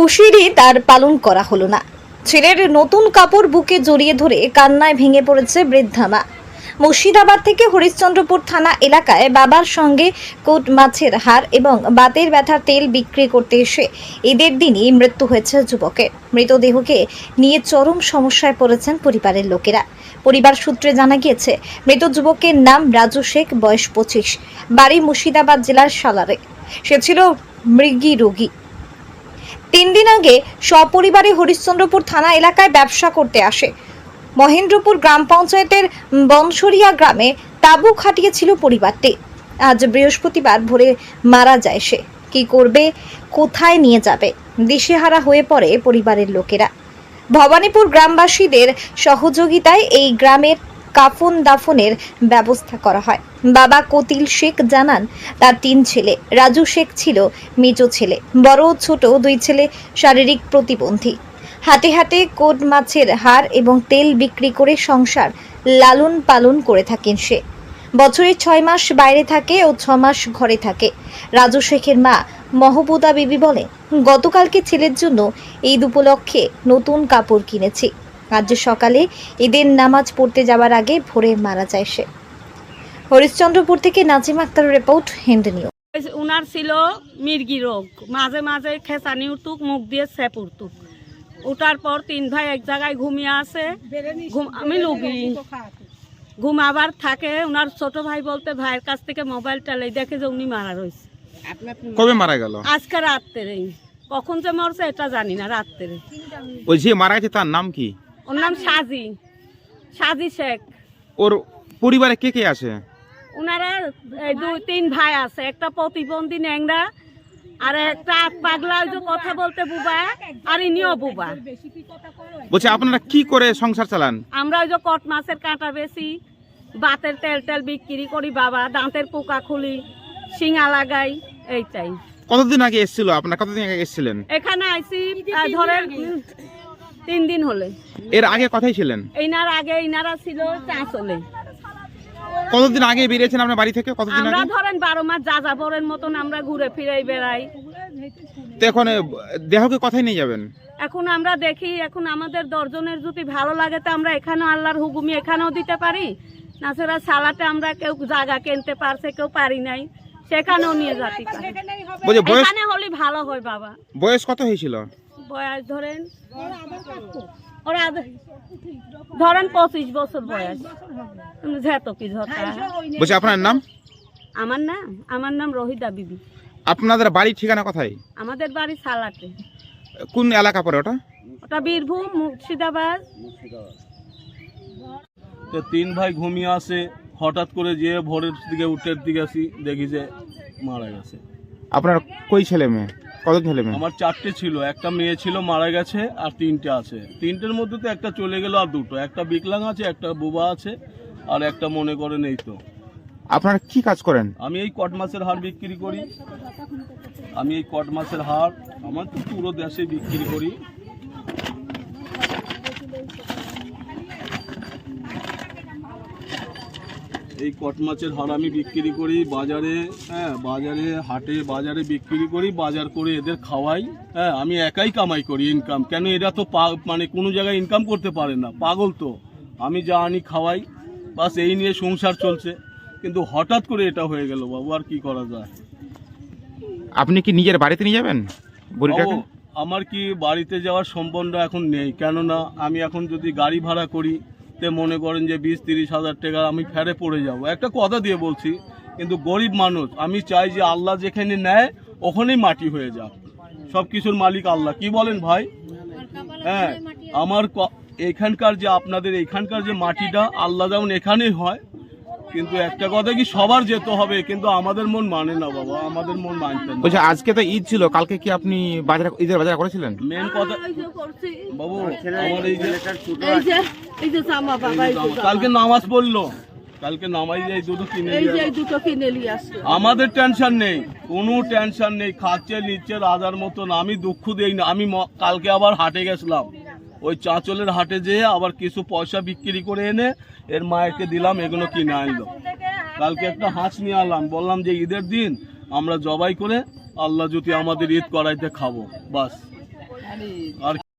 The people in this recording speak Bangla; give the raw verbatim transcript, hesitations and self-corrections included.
খুশির ঈদ আর পালন করা হলো না। ছেলের নতুন কাপড় বুকে জড়িয়ে ধরে কান্নায় ভেঙে পড়েছে বৃদ্ধা মা। মুর্শিদাবাদ থেকে হরিশ্চন্দ্রপুর থানা এলাকায় বাবার সঙ্গে কোট মাছের হাড় এবং বাতের ব্যথার তেল বিক্রি করতে এসে ঈদের দিনই মৃত্যু হয়েছে যুবকের। মৃতদেহকে নিয়ে চরম সমস্যায় পড়েছেন পরিবারের লোকেরা। পরিবার সূত্রে জানা গিয়েছে, মৃত যুবকের নাম রাজু শেখ, বয়স পঁচিশ, বাড়ি মুর্শিদাবাদ জেলার সালারে। সে ছিল মৃগী রোগী। তিন দিন আগে সপরিবারে হরিশ্চন্দ্রপুর থানা এলাকায় ব্যবসা করতে আসে। মহেন্দ্রপুর গ্রাম পঞ্চায়েতের বনসরিয়া গ্রামে তাঁবু খাটিয়েছিল পরিবারটি। আজ বৃহস্পতিবার ভোরে মারা যায় সে। কি করবে, কোথায় নিয়ে যাবে, দিশেহারা হয়ে পড়ে পরিবারের লোকেরা। ভবানীপুর গ্রামবাসীদের সহযোগিতায় এই গ্রামের কাফন দাফনের ব্যবস্থা করা হয়। বাবা কতিল শেখ জানান, তার তিন ছেলে। রাজু শেখ ছিল মেজো ছেলে। বড় ও ছোট দুই ছেলে শারীরিক প্রতিবন্ধী। হাটে হাটে কোট মাছের হাড় এবং তেল বিক্রি করে সংসার লালন পালন করে থাকেন সে। বছরে ছয় মাস বাইরে থাকে ও ছ মাস ঘরে থাকে। রাজু শেখের মা মহবুদা বিবি বলে, গতকালকে ছেলের জন্য ঈদ উপলক্ষে নতুন কাপড় কিনেছি। আজ সকালে ঈদের নামাজ পড়তে যাওয়ার আগে ভোরে মারা যায় সে। হরিশ্চন্দ্রপুর থেকে নাজিম আক্তারের রিপোর্ট, হিন্দ নিউজ। উনার ছিল মির্গি রোগ, মাঝে মাঝে খেসানি উঠুক, মুখ দিয়ে স্যাপ উঠুক। উঠার পর তিন ভাই এক জায়গায় ঘুমিয়ে আসে, আমি লুগি ঘুমাবার থাকে। উনার ছোট ভাই বলতে ভাইয়ের কাছ থেকে মোবাইলটা লেই দেখে যে উনি মারা রয়েছে। কবে মারা গেল? আজকে রাত্রে। কখন যে মরছে এটা জানি না। রাত্রে। ওই যে মারা গেছে তার নাম কি? ওর নাম সাজি, সাজি শেখ। ওর পরিবারে কে কে আছে? উনারা দুই তিন ভাই আছে, একটা প্রতিবন্ধী ন্যাংরা, আর একটা পাগলা যে কথা বলতে বুবা, আর ইনিও বুবা। বলছে আপনারা কি করে সংসার চালান? আমরা ওই যে কট মাছের কাঁটা বেশি, বাতের তেল টেল বিক্রি করি বাবা, দাঁতের পোকা খুলি, শিঙা লাগাই, এইটাই। কতদিন আগে এসেছিল আপনারা? কতদিন আগে এসেছিলেন এখানে আইসি ধরেন তিন দিন হলে। এর আগে কোথায় ছিলেন? ইনার আগে ইনারা ছিল চাঁচলে। কতদিন আগে বেরিয়েছেন আপনার বাড়ি থেকে? কতদিন আমরা আগে? ধরেন বারো মাস যাযাবরের মতন আমরা ঘুরে ফিরে বেড়াই। তো এখন দেহকে কোথায় নিয়ে যাবেন? এখন আমরা দেখি, এখন আমাদের দর্জনের যদি ভালো লাগে তো আমরা এখানেও আল্লাহর হুকুমি এখানেও দিতে পারি। নাছাড়া সালাতে আমরা কেউ জায়গা কিনতে পারছে, কেউ পারি নাই, সেখানেও নিয়ে যেতে পারি। বলছে বয়স এখানে হলে ভালো হয় বাবা। বয়স কত হয়েছিল? বয়স ধরেন ওরা ধরেন পঁচিশ বছর বয়স। যেত কি ঝটা। বলছে আপনার নাম? আমার নাম আমার নাম রহিদা বিবি। আপনাদের বাড়ির ঠিকানা কোথায়? আমাদের বাড়ি সালাতে। কোন এলাকা পড়ে ওটা? ওটা বীরভূম, মুর্শিদাবাদ। তো তিন ভাই ঘুমিয়ে আসে, হঠাৎ করে যে ভোরের দিকে উঠের দিকে আসি, দেখি যে মারা গেছে। আপনার কই ছেলে মেয়ে? কত ছেলে মেয়ে? আমার চারটে ছিল, একটা মেয়ে ছিল মারা গেছে, আর তিনটে আছে। তিনটের মধ্যে তো একটা চলে গেল, আর দুটো, একটা বিকলাং আছে, একটা বুবা আছে, আর একটা মনে করেন এই তো। আপনারা কি কাজ করেন? আমি এই কট মাছের হাড় বিক্রি করি। আমি এই কট মাছের হাড় আমার তো পুরো দেশে বিক্রি করি। এই কট মাছের হাড় আমি বিক্রি করি বাজারে, হ্যাঁ বাজারে, হাটে বাজারে বিক্রি করি, বাজার করে এদের খাওয়াই। হ্যাঁ আমি একাই কামাই করি, ইনকাম। কেন এরা তো মানে কোনো জায়গায় ইনকাম করতে পারে না, পাগল তো। আমি যা আনি খাওয়াই, বাস এই নিয়ে সংসার চলছে। কিন্তু হঠাৎ করে এটা হয়ে গেল বাবু, আর কি করা যায়। আপনি কি নিজের বাড়িতে নিয়ে যাবেন বুড়িটাকে? আমার কি বাড়িতে যাওয়ার সম্বন্ধ এখন নেই, কেননা আমি এখন যদি গাড়ি ভাড়া করি তে মনে করেন যে বিশ তিরিশ হাজার টাকা আমি ফেরে পড়ে যাব। একটা কথা দিয়ে বলছি, কিন্তু গরিব মানুষ, আমি চাই যে আল্লাহ যেখানে নেয় ওখানেই মাটি হয়ে যাক। সব কিছুর মালিক আল্লাহ, কি বলেন ভাই? হ্যাঁ আমার এখানকার যে আপনাদের এখানকার যে মাটিটা আল্লাহ যেমন এখানেই হয়, কিন্তু একটা কথা কি সবার যেতে হবে, কিন্তু আমাদের মন মানে না বাবা, আমাদের মন মানতে না। বলছে আজকে তো ঈদ ছিল, কালকে কি আপনি বাজার ঈদের বাজার করেছিলেন? মেন কথা বাবু, আমার এই যে কালকে নামাজ পড়লো, কালকে নামাই যাই দুটো কিনে নিয়ে আসছে। আমাদের টেনশন নেই, কোনো টেনশন নেই, খাচ্ছে নিচ্ছে রাজার মতন। আমি দুঃখ দেই না। আমি কালকে আবার হাটে গেছিলাম, ওই চাঁচলের হাটে যেয়ে আবার কিছু পয়সা বিক্রি করে এনে এর মায়েরকে দিলাম, এগুলো কিনে আনলো। কালকে একটা হাঁস নিয়ে আনলাম, বললাম যে ঈদের দিন আমরা জবাই করে আল্লাহ যদি আমাদের ঈদ করাইতে খাবো, বাস। আর